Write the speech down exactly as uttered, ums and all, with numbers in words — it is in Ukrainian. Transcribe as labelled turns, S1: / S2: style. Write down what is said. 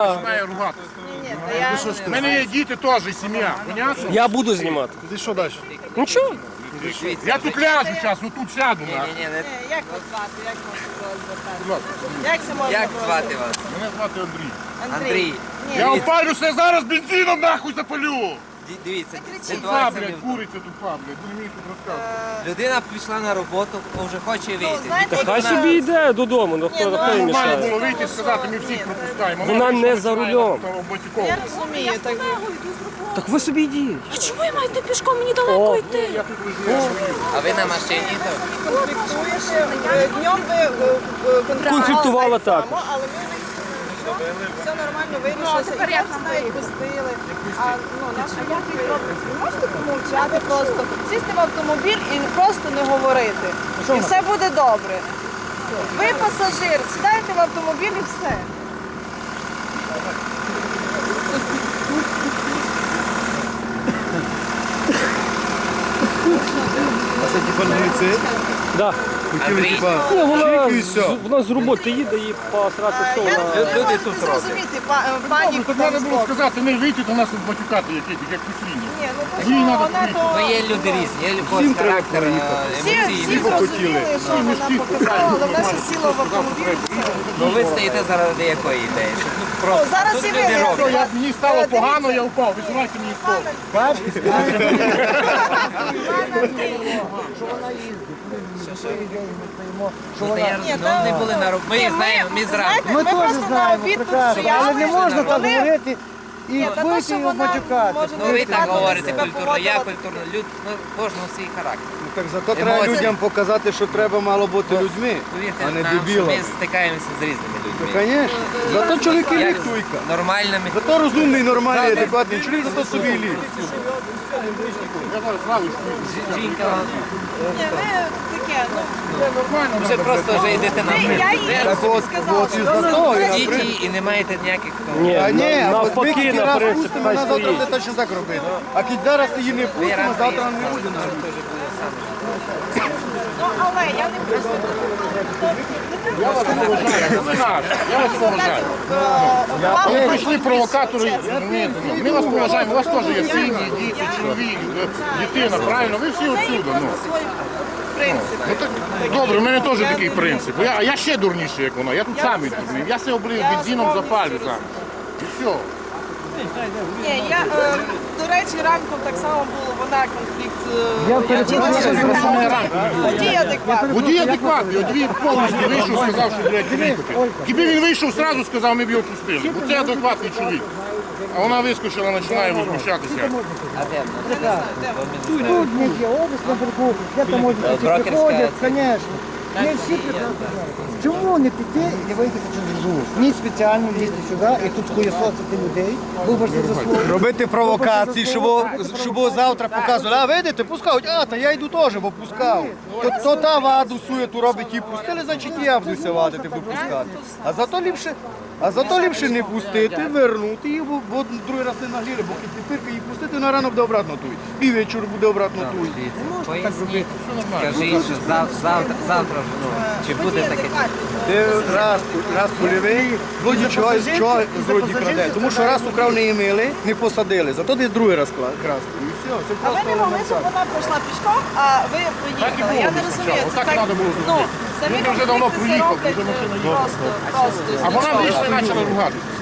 S1: Починає ругатися. У мене є діти теж, і сім'я. Понятно?
S2: Я буду знімати.
S1: Ти що далі?
S2: Нічого.
S1: Я тут ляжу зараз, отут сяду. на.
S3: Ні, ні, не...
S4: Як вас звати? Як можна
S1: Будь ласка.
S4: Як це можна
S3: Як
S4: було?
S3: звати вас?
S1: Мене звати Андрій.
S3: Андрій.
S4: Ні,
S1: Я опалюся зараз бензином нахуй запалю.
S3: Ді- Дивіться,
S1: Тупа,
S3: ситуація.
S1: блядь, куриця тупа, блядь. Не вмію тут розказувати.
S3: Людина пішла на роботу, вже хоче вийти.
S4: знаєте,
S3: Ніхто
S2: Хай
S3: вона-
S2: собі йде додому, ну хто
S4: Ні, ну,
S2: хто їй
S1: Нормально
S2: мішає.
S1: було вийти і сказати, ми всіх пропускаємо.
S2: Вона
S1: вийшла,
S2: не за
S1: починає
S2: рулем.
S1: там обматюковувати.
S4: Я розумію, так
S2: Так ви собі йдіть.
S5: А чому ви маєте пішком? Мені далеко йти.
S1: Я тут лежу, я свою.
S3: А ви на машині? то?
S4: конфліктуєш. Е, Днем ви е, е, конфліктували
S2: Конфліктувала
S4: так само,
S2: також.
S4: але ми вирішили, що все нормально вирішилося. І я знаю, пустили. А ну, наша як ви робите? Ви можете помовчати просто, сісти в автомобіль і просто не говорити. І все буде добре. Ви пасажир, сідаєте в автомобіль і все.
S6: А це типа на ліце?
S2: Да.
S6: Хотіли
S3: Андрій.
S6: типа
S2: Ні, вона,
S6: чик і
S2: з-
S6: все.
S2: вона з роботи їде і посрати все.
S4: Я
S2: Вона...
S4: не
S3: Люди
S4: можу
S3: тут
S4: зрозуміти, па- пані
S1: Тут треба було сказати, не вийти до нас тут батюкати, як як послідні.
S4: Ні, ну то
S1: Їй
S4: що,
S1: надо
S4: вона
S1: курити.
S4: то...
S3: Ну є люди різні, є
S6: Всім
S3: любов,
S6: треба
S3: характер,
S6: проїхати.
S4: Всі, всі
S3: емоційний.
S4: зрозуміли, що вона показала, але вона ще сіла в автомобіль. і все.
S3: Ну ви стоїте заради якої ідеї? Щоб ну,
S4: О,
S3: просто
S4: зараз
S3: тут
S4: і ви
S3: люди
S4: не
S3: роблять.
S1: Я, мені стало
S4: Е,
S1: погано,
S4: дивіться.
S1: я впав. Висувайте мені стол.
S3: Ну, та я
S4: Ні,
S3: розумію,
S4: та-
S3: ну, не були на роботі. Ми
S4: Ні,
S3: знаємо, ми зранку.
S4: знаєте, ми просто на обід тут стояли.
S7: Але не можна так
S4: Вони-
S7: говорити і
S4: Ні, та то,
S7: вийти
S4: що
S7: і
S4: вона
S7: матюкати.
S4: може
S3: Ну ви і так
S4: неадекватно
S3: говорите
S4: себе
S3: культурно, я
S4: поводила.
S3: культурно, люд, ну кожного свій характер.
S6: Ну, так зато треба
S3: Емоції.
S6: людям показати, що треба мало бути людьми,
S3: Повірте
S6: а не
S3: нам, що
S6: дебілами.
S3: ми стикаємося з різними людьми.
S6: Звісно. Зато чоловіки
S3: Як
S6: ліхтуйка.
S3: з нормальними.
S6: Зато розумний, нормальний, адекватний чоловік, зато собі ліг.
S1: Я зараз славу.
S3: Жінка,
S4: Ні, ви таке, ну,
S3: вже просто вже йдете на
S4: ви- я
S3: ви
S4: їй
S6: Так от,
S4: сказала,
S6: от і
S4: що
S6: за
S4: ну,
S6: то, я
S4: ви-
S3: Ідіть і- і не маєте ніяких того.
S2: Ні,
S6: А ні,
S2: на-
S6: а от ми
S2: навпаки,
S6: тільки
S2: на
S6: раз
S2: принцип,
S6: пустимо,
S2: хай
S6: вона завтра
S2: стоїть.
S6: буде точно так робити. А кіть зараз її не
S3: Ви
S6: пустимо,
S3: рано
S6: завтра
S3: приїхали,
S6: не буде.
S3: завтра теж буде саме.
S4: Ну, але я не хочу.
S1: Я вас поважаю, ви наш. Я вас поважаю. Коли прийшли провокатори, розумієте, ну, ми вас поважаємо, у вас теж є сім'ї, діти, чоловік, дитина, правильно? Ви всі отсюда. Ну.
S4: Принцип.
S1: Ну, так, добре, у мене теж такий принцип. Я, а я ще дурніший, як вона. Я тут сам іду. Я все облив бензином, запалю сам. І все.
S4: Ні, я, е, до речі, ранком так само було, вона конфлікт. е,
S7: Я
S4: Я
S7: перепрошую,
S4: вчилася,
S1: що
S4: що
S1: мене ранком
S4: водій адекватний.
S1: Водій адекватний, водій повністю вийшов, сказав, що, блядь, приїхати. Якби він вийшов, одразу сказав, ми б його пустили. Бо це адекватний чоловік. А вона вискочила, починає возмущатися.
S3: А де?
S7: Тут не є область наверху, де там можуть всі
S3: брокерська
S7: приходять,
S3: це.
S7: звісно. Не всі приходять. Чому не піти і не виїхати через Жужу? Ні спеціально лізти сюди і тут хуєсосити людей, виборці за слово.
S6: Робити провокації, щоб, щоб завтра показували, а видите, пускають, а, та я йду теж, бо пускав. То, то та ваду суєту робить і пустили, значить і я буду вадити, бо пускати. А зато ліпше, а зато ліпше не пустити, вернути їх, бо, бо другий раз не нагріли, бо тепер їх пустити, на ранок буде обратно туй. І вечір буде обратно туй.
S3: Поясніть, скажіть, що зав- завтра, завтра ж, ну, чи буде таке?
S6: Ти раз, раз польовий, злодій чого, чого злодій краде. Тому що раз украв не імили, не посадили, зато десь другий раз кла- красти. І все, це
S4: А ви
S6: просто
S4: не могли, щоб
S6: елементарно.
S4: вона пройшла пішком, а ви
S1: Так і
S4: проїхали.
S1: було
S4: Я не
S1: спочатку.
S4: розумію, це
S1: Отак
S4: так,
S1: треба було
S4: ну,
S1: зробити.
S4: самі
S1: Він вже давно
S4: конфлікти це
S1: проїхав,
S4: роблять
S1: вже машина
S4: е,
S1: їхала.
S4: просто, просто.
S1: А вона
S4: Нічого.
S1: вийшла і почала ругатися.